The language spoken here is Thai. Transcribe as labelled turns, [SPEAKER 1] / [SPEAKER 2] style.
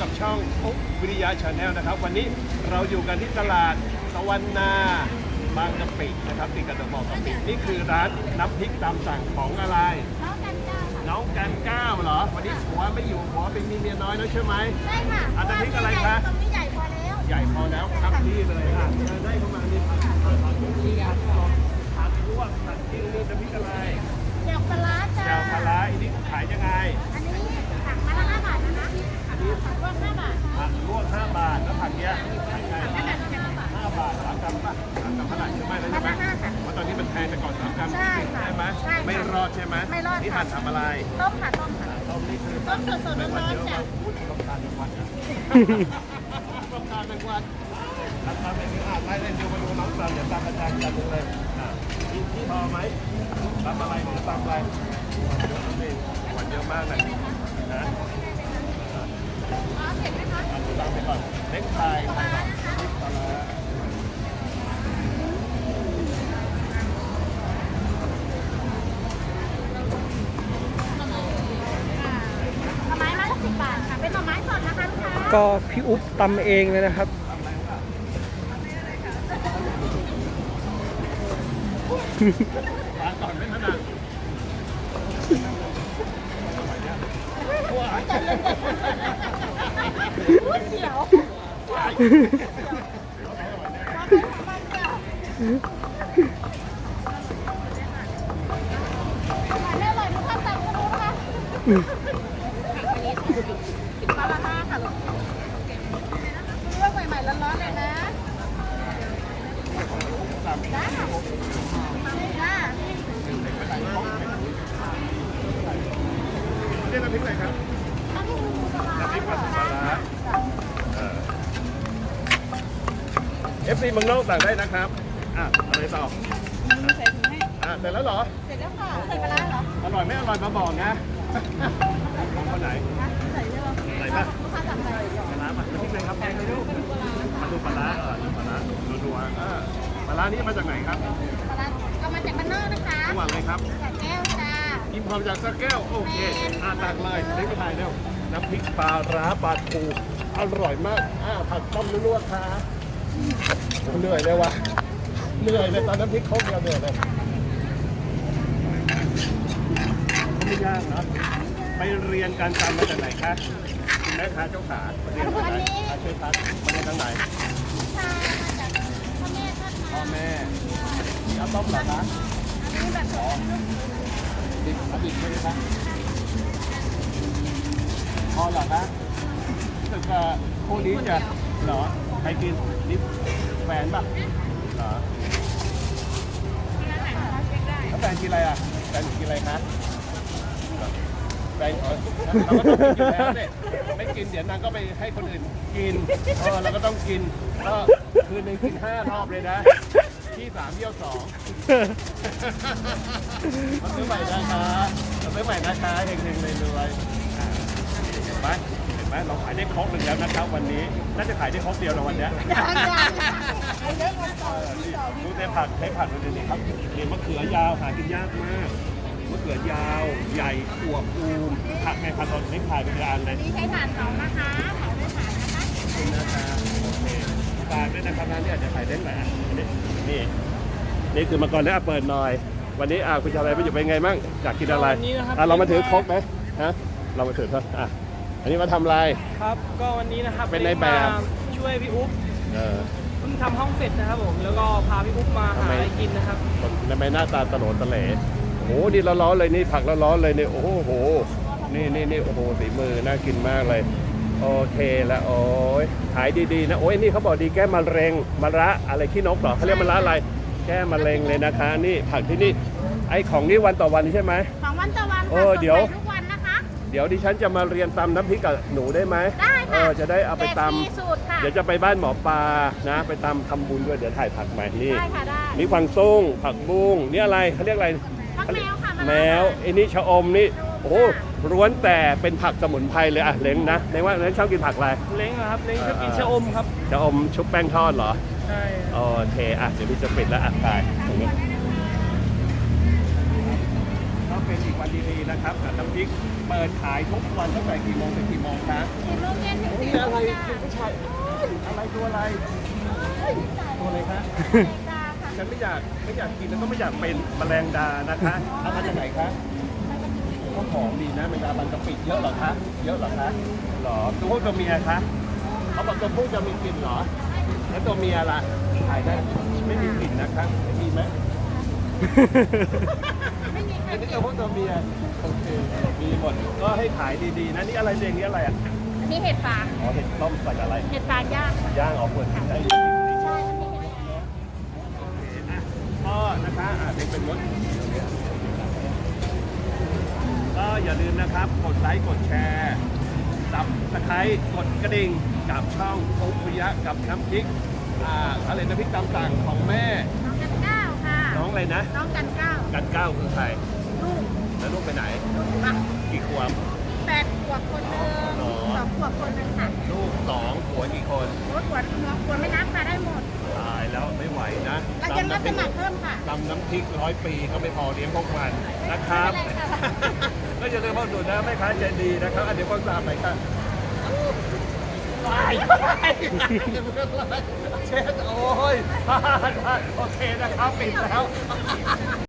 [SPEAKER 1] กับช่องอุ๊บวิริยะชาแนลนะครับวันนี้เราอยู่กันที่ตลาดตะวันนาบางกะปินะครับติดกับตะบองกะปินี่คือร้านน้ำพริกตามสั่งของอะไรน้องกันก้าวเหรอวันนี้ผัวไม่อยู่ผัวเป็นมีเมียน้อยแล้วใช่ไหม
[SPEAKER 2] ใช่ค่ะ
[SPEAKER 1] น้ำพริกอะไรคะ
[SPEAKER 2] ตรงนี้ใหญ่พอแล้ว
[SPEAKER 1] ใหญ่พอแล้วครับนี่เลยอ่ะเชิญได้เข้ามานี่ผัดลวกผัดจิ้มนี่น้ำพริกอะไร
[SPEAKER 2] เดี๋ยวปลาร้าจ้า
[SPEAKER 1] แจ่วปลาร้าอันนี้ขายยังไง
[SPEAKER 2] อันนี้ถังมาละ5 บาทนะ
[SPEAKER 1] อันนี้
[SPEAKER 2] ถังรวม5 บาท
[SPEAKER 1] ผักลวก5 บาทแล้วผักเนี้ยขายไง 5 บาท3 กรัมป่ะ3 กรัมเท่าไหร่ใช่ไหมแล้วใช่ไหมเพราะตอนนี้มันแพงแต่ก่อน3 กรัม
[SPEAKER 2] ใช่ค่ะ
[SPEAKER 1] ใช่ไหม
[SPEAKER 2] ใช่ค่ะ
[SPEAKER 1] ไม่รอดใช่ไหม
[SPEAKER 2] ไม่รอด
[SPEAKER 1] นี่
[SPEAKER 2] ค่ะ
[SPEAKER 1] หั่นทำอะไร
[SPEAKER 2] ต้มค่ะต้มค่ะ
[SPEAKER 1] ต้มนี่คือ
[SPEAKER 2] ต้มสดๆร้อนๆจ้ะ
[SPEAKER 1] ต้องทานทุกวันนะต้องทานทุกวันทำเป็นไล่เล่นดูมาดูน้องตามอย่าตามอาจารย์กันเลยที่พอไหมตามอะไรหรือตามอะไรหวานเยอะมากเลยนะ
[SPEAKER 2] เผ็ดไหมคะ
[SPEAKER 1] ตามไปก่อนเล็กไทยไทยก่อนปลาร้า
[SPEAKER 2] ไม้ละ10 บาทค่ะเป็นหน่อไม้สดนะคะลูกค้า
[SPEAKER 3] ก็พี่อุ๊บตำเองเลยนะครับ
[SPEAKER 1] ทานก่อนไม่ถนัดว้าย
[SPEAKER 2] อุ้ยเสียว
[SPEAKER 1] ว้าย
[SPEAKER 2] แม่อร่อยทุกท่านสั่งก็รู้นะคะปลาละ5ค่ะลูกเลือกใหม่ๆร้อนๆเลยนะจ้าจ้า
[SPEAKER 1] เรียกน้ำพริกอะไรครับ
[SPEAKER 2] อันนี้คือปลาร้า
[SPEAKER 1] น้ำพริกปลาร้าFC เมืองนอกสั่งได้นะครับอะไรต่อ
[SPEAKER 2] ใส่ถุงให้
[SPEAKER 1] เสร็จแล้วเหรอ
[SPEAKER 2] เสร็จแล้วค่ะใส่ปลาร้าเหรอ
[SPEAKER 1] อร่อยไม่อร่อยมาบอกนะของคนไหน
[SPEAKER 2] ใส่เยอะ
[SPEAKER 1] ใส่ป่ะ
[SPEAKER 2] ลูกค้าสั่งใส่
[SPEAKER 1] ปลาร้าป่ะน้ำพริกอะไรครับมาดูปลาร้าดูปลาร้าดูปลาร้านี่มาจากไหนครับ
[SPEAKER 2] ปลาร้าเอามาจากบ้านนอกนะคะ
[SPEAKER 1] จังหวัดอะไรครับ
[SPEAKER 2] จากแก้วจ้า
[SPEAKER 1] อิมพอร์ตจากสระแก้วโอเคตักเลยเล็กไปถ่ายเร็วน้ำพริกปลาร้าปลาทูอร่อยมากผัดต้มลวกๆค่ะเหนื่อยเลยวะเหนื่อยเลยตอนน้ำพริกครกเดียวเหนื่อยเลยไม่ยากเนาะไปเรียนการตำมาจากไหนคะคุณแม่ค้าเจ้าขาเรียนมาจากไหนช่วยพัดมาเรียนทางไหน
[SPEAKER 2] ชามาจากพ่อแม่ทอด
[SPEAKER 1] พ่อ
[SPEAKER 2] มา
[SPEAKER 1] แม่นี่เอาต้มเหรอคะ
[SPEAKER 2] อันนี้แบบสด
[SPEAKER 1] ดิบเอาดิบใช่ไหมคะพอเหรอคะรู้สึกว่าคู่นี้จะเหรอใครกินนี่แฟนป่ะเหรอแล้วแฟนกินอะไรอ่ะแฟนกินอะไรคะแฟนเราก็ต้องกินอยู่แล้วเนี่ยไม่กินเดี๋ยวนางก็ไปให้คนอื่นกินเราก็ต้องกินก็คืนหนึ่งกิน5 รอบเลยนะที่3 เยี่ยว 2มาซื้อใหม่นะคะมาซื้อใหม่นะคะเฮงๆเลยรวยเห็นไหมเห็นไหมเราขายได้ครบหนึ่งแล้วนะครับวันนี้น่าจะขายได้ครบเดียวนะวันนี้
[SPEAKER 2] เยอะกันต่อ
[SPEAKER 1] ดูในผักใช้ผักดูนี่ครับนี่มะเขือยาวหากินยากมากมะเขือยาวใหญ่อวบอูมผักในผักตอนไม่ขายเป็นอันเลย
[SPEAKER 2] นี่ใช้ถ่านเผานะคะเผาด้วยถ่านนะคะ
[SPEAKER 1] นี่นะคะโอเคฝากด้วยนะครับร้านนี้อาจจะขายได้หลายอันนี่คือมาก่อนแล้วเปิดหน่อย วันนี้คุณชาวอะไรไปอยู่เป็นไงบ้างอยากกินอะไร
[SPEAKER 3] วันนี้นะครับ
[SPEAKER 1] เรามาถือครกไหมฮะเรามาถือครับอันนี้มาทำอะไร
[SPEAKER 3] ครับก็วันนี้นะครับ
[SPEAKER 1] เป็นในแบบ
[SPEAKER 3] มาช่วยพี่อุ๊บ
[SPEAKER 1] เออ
[SPEAKER 3] เพิ่งทำห้องเสร็จนะครับผมแล้วก็พาพี่อุ๊บมาหาอะไรกินนะครับ
[SPEAKER 1] ทำไมหน้าตาตะโหลตะเหลโอ้โหนี่ร้อนๆเลยนี่ผักร้อนๆเลยนี่โอ้โหนี่โอ้โหสีมือน่ากินมากเลยโอเคแล้วโอ้ยขายดีๆนะโอ้ยนี่เขาบอกดีแก้มะเร็งมะระอะไรขี้นกเหรอเขาเรียกมะระอะไรแก้มะเร็งเลยนะคะนี่ผักที่นี่ไอ้ของนี่วันต่อวันใช่ไหม
[SPEAKER 2] ของวันต่อวัน
[SPEAKER 1] เอ
[SPEAKER 2] ค่ะ
[SPEAKER 1] อเดี๋ยว
[SPEAKER 2] ส่งไปทุกวันนะคะ
[SPEAKER 1] เดี๋ยวดิฉันจะมาเรียนตำน้ำพริกกับหนูได้ไหม
[SPEAKER 2] ได้ค่ะ
[SPEAKER 1] จะได้เอาไปต
[SPEAKER 2] แจกฟรีสูตรค่ะ
[SPEAKER 1] ำเดี๋ยวจะไปบ้านหมอปลานะไปตำทำบุญด้วยเดี๋ยวถ่ายผักใหม่นี่
[SPEAKER 2] ได้ค่ะได้
[SPEAKER 1] มีกวางตุ้งผักบุ้งนี่อะไรเขาเรียกอะไร
[SPEAKER 2] ผักแมวค่ะ
[SPEAKER 1] แมวไอ้นี่ชะอมนี่โอ้โหล้วนแต่เป็นผักสมุนไพรเลยเล้งนะเล้งว่าเล้งชอบกินผักอะไร
[SPEAKER 3] เล้งนะครับเล้งชอบกินชะอมครับ
[SPEAKER 1] ชะอมชุบแป้งทอดเหรอ
[SPEAKER 3] ใช่
[SPEAKER 1] โอเคเดี๋ยวพี่จะปิดแล้วถ่ายตรงนี้ก็เป็นอีกวันดีๆนะครับกับน้ำพริกเปิดขายทุกวันตั้งแต่กี่โมงถึงกี่โมงคะ
[SPEAKER 2] 4 โมงเย็นถึง
[SPEAKER 1] โอ้ย
[SPEAKER 2] 4
[SPEAKER 1] อะไร
[SPEAKER 2] โมง
[SPEAKER 1] คุณผู้ชายอะไรตัวอะไรตัวอะไรคะ
[SPEAKER 2] ดาค่ะ
[SPEAKER 1] ฉันไม่อยากกินแล้วก็ไม่อยากเป็นแมลงดานะคะเอามาจากไหนคะก็หอมดีนะแมลงดาบันกะปิเยอะเหรอคะเยอะเหรอคะหรอตัวผู้ตัวเมียคะเขาบอกตัวผู้จะมีกลิ่นเหรอแล้วตัวเมียล่ะขายได้ไม่มีกลิ่นนะคะมีไหม
[SPEAKER 2] ไม่มีใคร
[SPEAKER 1] อันนี้
[SPEAKER 2] กิ
[SPEAKER 1] ตั
[SPEAKER 2] น
[SPEAKER 1] วผู้ตัวเมียโอเคมีหมดก็ให้ขายดีๆนะนี่อะไรเรียงนี้อะไรอ่ะ
[SPEAKER 2] อันนี้เห็ดฟาง
[SPEAKER 1] อ๋อเห็ดต้มใส่อะไร
[SPEAKER 2] เห็ดฟางย่างค่ะ
[SPEAKER 1] ย่างออกเปิดกินได้
[SPEAKER 2] ใช่มันมีเห็ดฟาง
[SPEAKER 1] โอเคอ่ะก็นะคะเด็กเป็นรถก็อย่าลืมนะครับกดไลค์กดแชร์สับตะไคร้กดกระดิ่งกับช่องโอปุยะกับน้ำพริกอะไรน้ำพริกตามสั่งของแม่
[SPEAKER 2] น้องกันก้าวค่ะ
[SPEAKER 1] น้องอะไรนะ
[SPEAKER 2] น้องกันก้าว
[SPEAKER 1] กันก้าวคือใคร
[SPEAKER 2] ลูก
[SPEAKER 1] แล้วลูกไปไหน
[SPEAKER 2] อ่ะ
[SPEAKER 1] กี่ขวบ
[SPEAKER 2] 8 ขวบคนหนึ่ง
[SPEAKER 1] อ๋อ
[SPEAKER 2] 2 ขวบคนหนึ่งค่ะ
[SPEAKER 1] ลูกสองผัวกี่คน
[SPEAKER 2] รถขวดน้องขวดไม่นับค่ะได้หมด
[SPEAKER 1] ตายแล้วไม่ไหวนะ
[SPEAKER 2] เรายังรับสมัครเพิ่มค่ะ
[SPEAKER 1] ตำน้ำพริก100 ปีก็ไม่พอเลี้ยงพวกมันนะครับ
[SPEAKER 2] ไม่เป็นไรค่ะ
[SPEAKER 1] ก็อย่าลืมพ่อดูนะแม่ค้าใจดีนะครับเดี๋ยวพ่อตามไปครับไปเช็ดโอ้ยโอเคนะครับปิดแล้ว